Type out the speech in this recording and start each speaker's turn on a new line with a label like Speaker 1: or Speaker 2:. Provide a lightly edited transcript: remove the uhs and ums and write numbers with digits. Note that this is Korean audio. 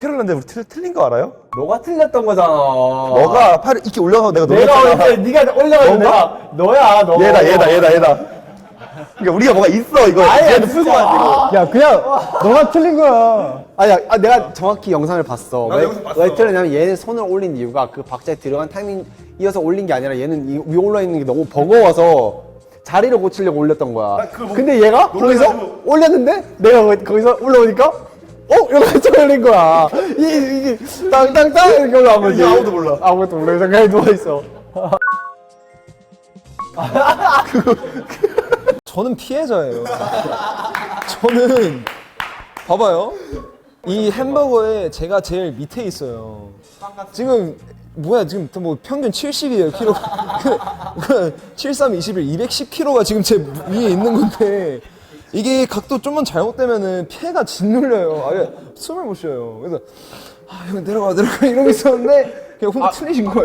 Speaker 1: 틀렸는데 우리 틀린 거 알아요?
Speaker 2: 너가 틀렸던 거잖아.
Speaker 1: 너가 팔을 이렇게 올려서 내가
Speaker 2: 내가
Speaker 1: 놀랬잖아.
Speaker 2: 올렸는데 네가 올려가지고 내가 너야 너.
Speaker 1: 얘다. 그러니까 우리가 뭐가 있어 이거.
Speaker 2: 아니,
Speaker 1: 얘는
Speaker 2: 진짜.
Speaker 1: 풀고 가지고.
Speaker 3: 야 그냥 너가 틀린 거야.
Speaker 2: 아니야, 내가 정확히 영상을 봤어.
Speaker 1: 나도 영상 봤어.
Speaker 2: 왜 틀렸냐면 얘는 손을 올린 이유가 그 박자에 들어간 타이밍 이어서 올린 게 아니라 얘는 위에 올라 있는 게 너무 버거워서 자리를 고치려고 올렸던 거야.
Speaker 1: 나 그거
Speaker 2: 근데 얘가 거기서
Speaker 1: 놀래가지고.
Speaker 2: 올렸는데 내가 거기서 올라오니까 이렇게 올린 거야. 이게 땅땅땅 이렇게 올라온 거지.
Speaker 1: 이게 아무도 몰라.
Speaker 2: 아무것도 몰라. 그래서 그냥 누워 있어.
Speaker 3: 저는 피해자예요. 저는 봐봐요. 이 햄버거에 제가 제일 밑에 있어요. 지금 뭐야 지금 뭐 평균 70이에요 키로. 73, 21, 210kg가 지금 제 위에 있는 건데 이게 각도 좀만 잘못되면은 폐가 짓눌려요. 아예 숨을 못 쉬어요. 그래서 아 형 내려가 이러고 있었는데 그냥 혼자 틀리신 거예요.